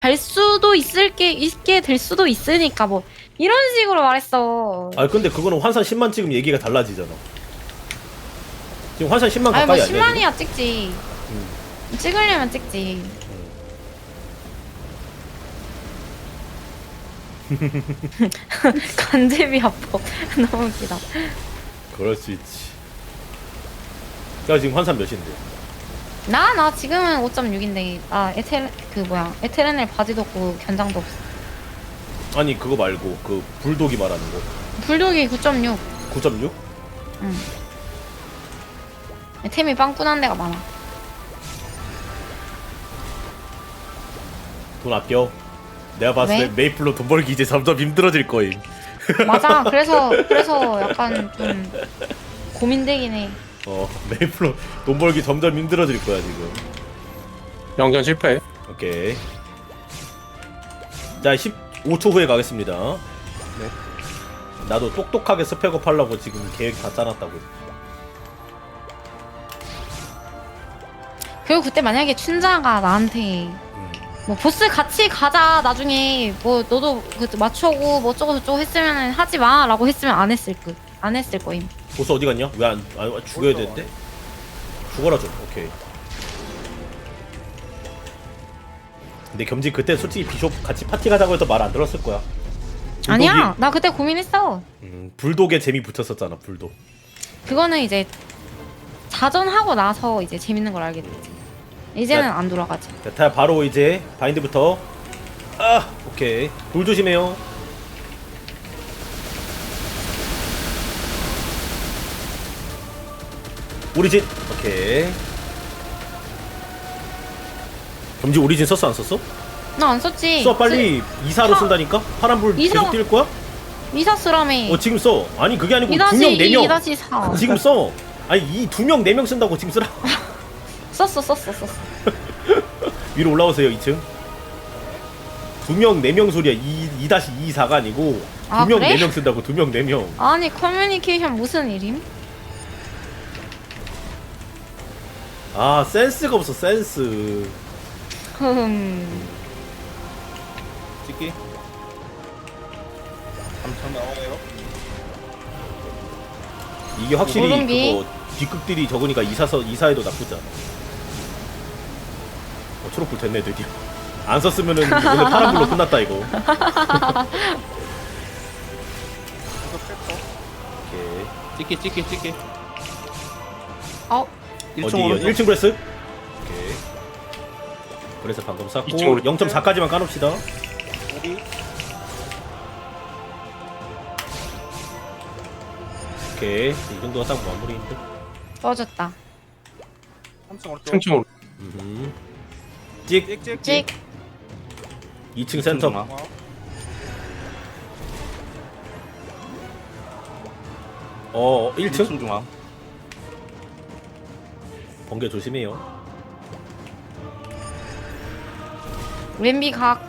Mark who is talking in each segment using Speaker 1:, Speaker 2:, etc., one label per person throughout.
Speaker 1: 갈 수도 있게 될 수도 있으니까 뭐 이런 식으로 말했어.
Speaker 2: 아 근데 그거는 환산 10만 찍으면 얘기가 달라지잖아. 지금 환산 10만
Speaker 1: 아니 뭐
Speaker 2: 가까이 아니야?
Speaker 1: 10만이야 찍지. 찍으려면 찍지. 간제비 합법 너무 웃기다.
Speaker 2: 그럴 수 있지. 야 지금 환산 몇인데?
Speaker 1: 나 지금은 5.6인데 나 에테르넬 바지도 없고 견장도 없어.
Speaker 2: 아니 그거 말고 그 불독이 말하는 거.
Speaker 1: 불독이 9.6.
Speaker 2: 9.6?
Speaker 1: 응. 템이 빵꾸난 데가 많아.
Speaker 2: 돈 아껴. 내가 봤을
Speaker 1: 왜?
Speaker 2: 때 메이플로 돈 벌기 이제 점점 힘들어질 거임.
Speaker 1: 맞아. 그래서 약간 좀 고민되긴 해.
Speaker 2: 메이플로 돈 벌기 점점 힘들어질 거야 지금.
Speaker 3: 영전 실패.
Speaker 2: 오케이. 자 15초 후에 가겠습니다.
Speaker 3: 네.
Speaker 2: 나도 똑똑하게 스펙업 하려고 지금 계획 다 짜놨다고.
Speaker 1: 그리고 그때 만약에 춘자가 나한테 뭐 보스 같이 가자 나중에 뭐 너도 그 맞춰고 뭐 어쩌고 저쩌고 했으면 하지 마라고 했으면 안 했을 거임.
Speaker 2: 보스 어디 갔냐? 왜 안 죽여야 되는데? 죽어라 좀. 오케이. 근데 겸지 그때 솔직히 비숍 같이 파티 가자고 해도 말 안 들었을 거야.
Speaker 1: 아니야, 나 그때 고민했어.
Speaker 2: 불독에 재미 붙였었잖아. 불독.
Speaker 1: 그거는 이제 자전하고 나서 이제 재밌는 걸 알게 됐지. 이제는 안 돌아가지.
Speaker 2: 자, 바로 이제 바인드부터. 아, 오케이. 돌 조심해요. 오리진. 오케이. 겸지 오리진 썼어 안 썼어?
Speaker 1: 나 안 썼지.
Speaker 2: 써 빨리 이사로
Speaker 1: 써.
Speaker 2: 쓴다니까? 파란불
Speaker 1: 이사.
Speaker 2: 계속 뛸 거야?
Speaker 1: 이사 쓰라며.
Speaker 2: 지금 써. 아니 그게 아니고
Speaker 1: 2-2,
Speaker 2: 2명 4명
Speaker 1: 2-4.
Speaker 2: 지금 써. 아니 이 2명 4명 쓴다고 지금 쓰라.
Speaker 1: 썼어.
Speaker 2: 위로 올라오세요 2층. 2명 4명 소리야. 2-2-4가 아니고 2명
Speaker 1: 아, 그래?
Speaker 2: 4명 쓴다고. 2명 4명.
Speaker 1: 아니 커뮤니케이션 무슨 일임?
Speaker 2: 아 센스가 없어 센스.
Speaker 3: 찍기. 3천 나와요.
Speaker 2: 이게 확실히
Speaker 1: 모름기.
Speaker 2: 그거 뒷극들이 적으니까 이사해도 나쁘지 않아. 초록불 됐네 드디어. 안 썼으면은 오늘 파란불로 끝났다 이거. 오케이.
Speaker 3: 찍기.
Speaker 1: 어,
Speaker 2: 어디요? 1층 브레스? 오케이. 브레스 방금 쌌고
Speaker 3: 2층으로
Speaker 2: 0.4까지만 까놓읍시다. 오케이. 이 정도가 딱 마무리인데.
Speaker 1: 떠졌다.
Speaker 3: 3층으로.
Speaker 2: 찍.
Speaker 1: 찍.
Speaker 2: 2층 센터. 1층?
Speaker 3: 중앙.
Speaker 2: 번개 조심해요.
Speaker 1: 왼비 각.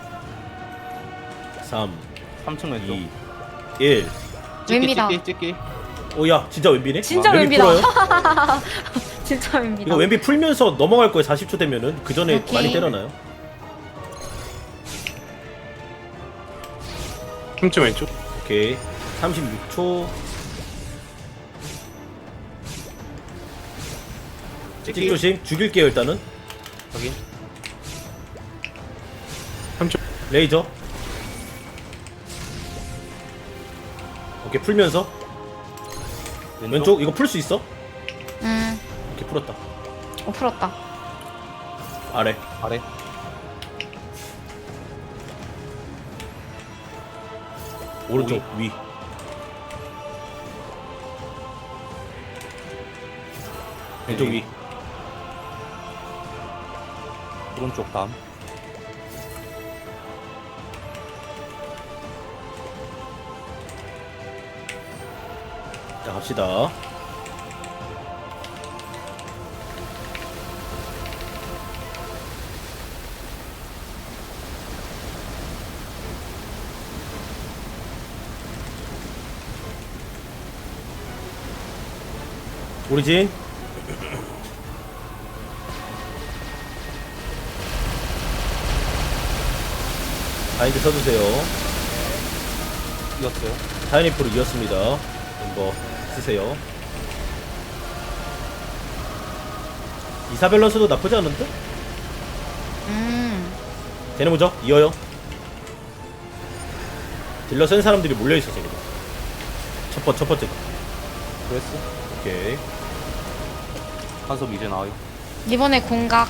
Speaker 2: 3,
Speaker 3: 3층 왼쪽.
Speaker 2: 2, 1.
Speaker 1: 왼비다.
Speaker 3: 찍기.
Speaker 2: 오야 진짜 왼비네?
Speaker 1: 진짜
Speaker 2: 왼비
Speaker 1: 왼비다.
Speaker 2: 풀어요?
Speaker 1: 진짜 왼비다.
Speaker 2: 이거 왼비 풀면서 넘어갈 거예요. 40초 되면은. 그 전에
Speaker 1: 오케이.
Speaker 2: 많이 때려놔요.
Speaker 3: 3층 왼쪽.
Speaker 2: 오케이. 36초. 찍 조심. 죽일게요 일단은.
Speaker 3: 확인. 3층.
Speaker 2: 레이저. 오케이 풀면서. 왼쪽 이거 풀 수 있어? 오케이 풀었다.
Speaker 1: 풀었다.
Speaker 2: 아래. 오른쪽 위. 왼쪽 위.
Speaker 3: 오른쪽 다음.
Speaker 2: 자 갑시다. 오리진. 바인드 써주세요.
Speaker 3: 이겼어요.
Speaker 2: 타이니프로 이었습니다. 이거 쓰세요. 이사 밸런스도 나쁘지 않은데? 쟤네 뭐죠? 이어요. 딜러 센 사람들이 몰려있어서 그래. 첫 번째.
Speaker 3: 그랬어.
Speaker 2: 오케이.
Speaker 3: 한섭 이제 나와요.
Speaker 1: 이번에 공각.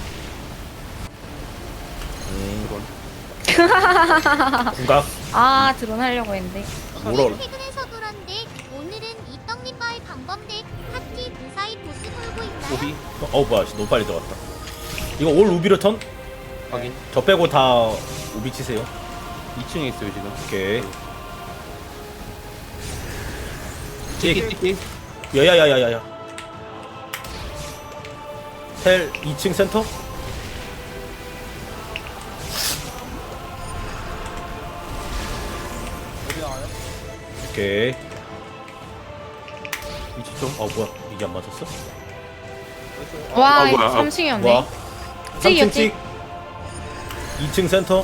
Speaker 2: 궁각.
Speaker 1: 아 드론 하려고 했는데.
Speaker 2: 뭐라 그래?
Speaker 4: 퇴근해서 그런데 오늘은 이 떡잎과의 방범대 파티 무사히 보스 돌고 있나요?
Speaker 3: 오비
Speaker 2: 뭐야, 너무 빨리 들어갔다. 이거 올 우비로 턴?
Speaker 3: 확인.
Speaker 2: 저 빼고 다 우비 치세요.
Speaker 3: 2층에 있어요 지금.
Speaker 2: 오케이.
Speaker 3: 찍기.
Speaker 2: 야야야야야야. 텔 2층 센터? 오케이.
Speaker 3: 2층.
Speaker 2: 뭐야, 이게 안 맞았어?
Speaker 1: 와
Speaker 3: 뭐야.
Speaker 1: 3층이었네.
Speaker 2: 와. 3층
Speaker 1: 찍이었지?
Speaker 2: 찍. 2층 센터.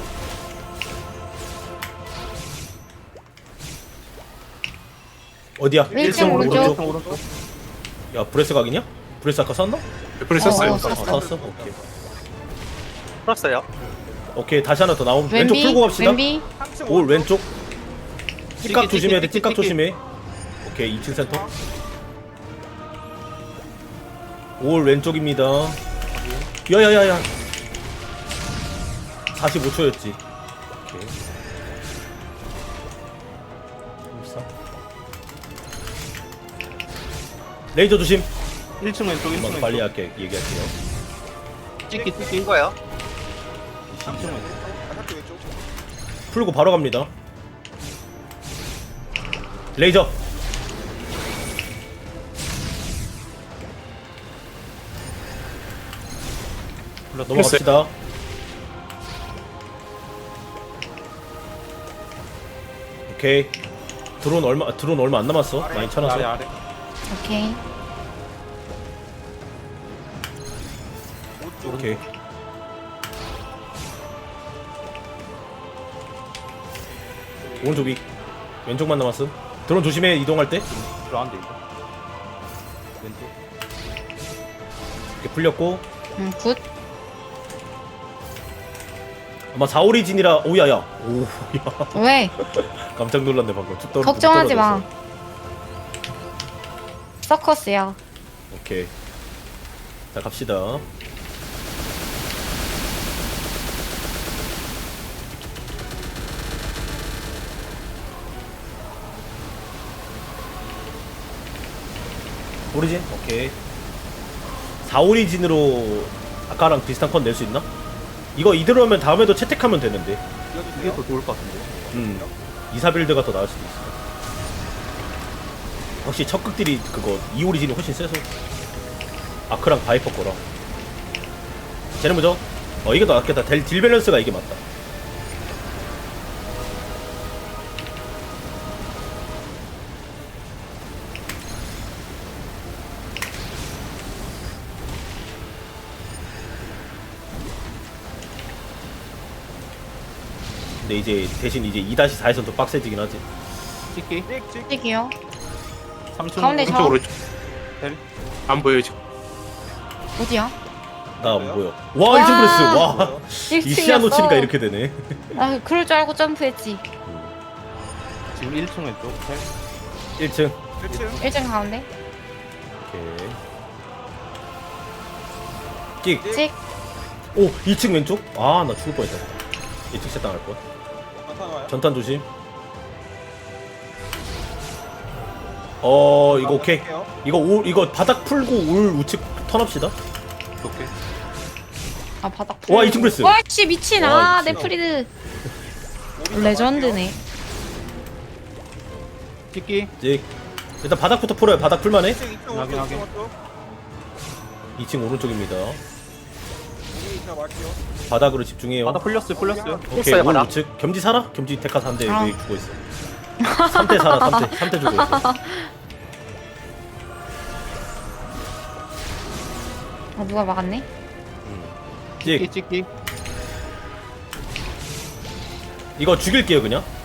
Speaker 2: 어디야?
Speaker 1: 1층 오른쪽.
Speaker 3: 오른쪽.
Speaker 2: 야, 브레스 각이냐? 브레스 아까 쐈나?
Speaker 3: 애플이
Speaker 1: 썼어요.
Speaker 2: 쐈어. 오케이.
Speaker 3: 썼어요.
Speaker 2: 오케이, 다시 하나 더 나오면 왼쪽
Speaker 1: 왼비.
Speaker 2: 풀고 갑시다.
Speaker 1: 왼비.
Speaker 2: 올 왼쪽. 찌깍 조심해야 돼.
Speaker 3: 찍기,
Speaker 2: 찌깍
Speaker 3: 찍기.
Speaker 2: 조심해. 오케이, 2층 센터. 올 왼쪽입니다. 야야야야. 45초였지. 오케이. 34. 레이저 조심.
Speaker 3: 1층 왼쪽. 1층
Speaker 2: 한번
Speaker 3: 왼쪽.
Speaker 2: 빨리 할게. 얘기할게요.
Speaker 3: 찍기 거야. 2층 왼쪽.
Speaker 2: 풀고 바로 갑니다. 레이저. 넘어갑시다. 오케이. 드론 얼마 안 남았어. 많이 쳐놨어.
Speaker 3: 아래.
Speaker 1: 오케이.
Speaker 2: 오케이. 오른쪽 위. 왼쪽만 남았음. 드론 조심해, 이동할 때.
Speaker 3: 들어안돼 이거. 왼쪽.
Speaker 2: 이렇게 풀렸고.
Speaker 1: 굿.
Speaker 2: 아마 4오리진이라. 오야야. 오, 야.
Speaker 1: 왜?
Speaker 2: 깜짝 놀랐네 방금. 쭉
Speaker 1: 걱정하지 마.
Speaker 2: 떨어졌어.
Speaker 1: 서커스야.
Speaker 2: 오케이. 자, 갑시다. 오리진? 오케이. 4오리진으로 아까랑 비슷한 컨 낼 수 있나? 이거 이대로 하면 다음에도 채택하면 되는데.
Speaker 3: 이게 더 좋을 것 같은데.
Speaker 2: 2사 빌드가 더 나을 수도 있어. 확실히 첫 극딜이 그거 2오리진이 훨씬 세서. 아크랑 바이퍼 거랑. 쟤는 뭐죠? 이게 더 낫겠다. 딜 밸런스가 이게 맞다. 근데 이제 대신 이제 2-4에선 더 빡세지긴 하지.
Speaker 3: 찍기.
Speaker 1: 찍이요.
Speaker 3: 3층
Speaker 1: 가운데 저.
Speaker 3: 오른쪽. 텔. 안 보여요 지금.
Speaker 1: 어디야?
Speaker 2: 나 안 보여. 와, 1층 브레스. 와. 이 시야
Speaker 1: 1층이었어.
Speaker 2: 놓치니까 이렇게 되네.
Speaker 1: 아 그럴 줄 알고 점프했지.
Speaker 3: 지금 1층 왼쪽. 텔.
Speaker 2: 1층.
Speaker 1: 1층 가운데.
Speaker 2: 오케이. 끽.
Speaker 1: 찍.
Speaker 2: 오, 2층 왼쪽? 아, 나 죽을 뻔했다. 2층 셋 당할 뻔. 전탄 조심. 이거 오케이. 이거 바닥 풀고 올 우측 턴합시다.
Speaker 3: 오케이.
Speaker 1: 아 바닥.
Speaker 2: 와, 2층 브레스.
Speaker 1: 와씨 미친.
Speaker 2: 와,
Speaker 1: 아
Speaker 2: 미친.
Speaker 1: 네프리드. 레전드네.
Speaker 3: 찍기.
Speaker 2: 찍. 일단 바닥부터 풀어요. 바닥 풀만해.
Speaker 3: 확인.
Speaker 2: 2층 오른쪽입니다. 바닥으로 집중해요.
Speaker 3: 바다 풀렸어요.
Speaker 2: 오케이, 올 우측. 겸지 살아? 겸지 데카 3대
Speaker 1: 아.
Speaker 2: 왜 죽어 있어? 3대 살아. 3대 죽어 있어.
Speaker 1: 누가 막았네?
Speaker 2: 찍.
Speaker 3: 찍기.
Speaker 2: 이거 죽일게요 그냥.